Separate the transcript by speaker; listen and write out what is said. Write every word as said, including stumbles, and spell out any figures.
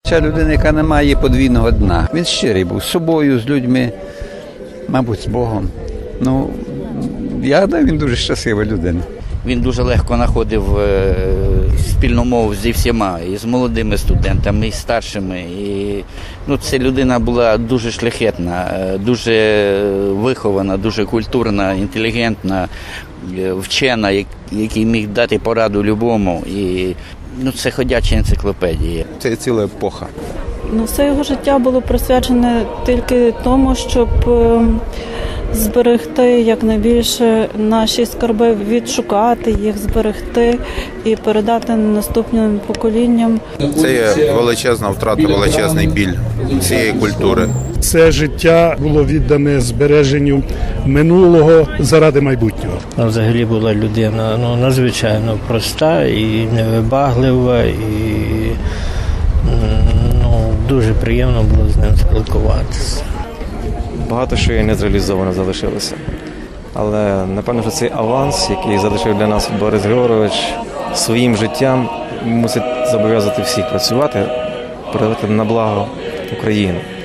Speaker 1: Ця людина, яка не має подвійного дна. Він щирий був з собою, з людьми, мабуть, з Богом. Ну, я гадаю, він дуже щаслива людина.
Speaker 2: Він дуже легко знаходив спільну мову зі всіма, і з молодими студентами, і з старшими. І, ну, ця людина була дуже шляхетна, дуже вихована, дуже культурна, інтелігентна, вчена, який міг дати пораду любому. І, ну, це ходяча енциклопедія.
Speaker 3: Це ціла епоха.
Speaker 4: Ну, все його життя було присвячене тільки тому, щоб зберегти якнайбільше наші скарби, відшукати їх, зберегти і передати наступним поколінням.
Speaker 3: Це є величезна втрата, величезний біль цієї культури.
Speaker 5: Це життя було віддане збереженню минулого заради майбутнього.
Speaker 6: Взагалі була людина ну, надзвичайно проста і невибаглива, і ну, дуже приємно було з ним спілкуватися.
Speaker 7: Багато що і не зреалізовано залишилося. Але, напевно, що цей аванс, який залишив для нас Борис Григорович, своїм життям мусить зобов'язати всіх працювати, передати на благо України.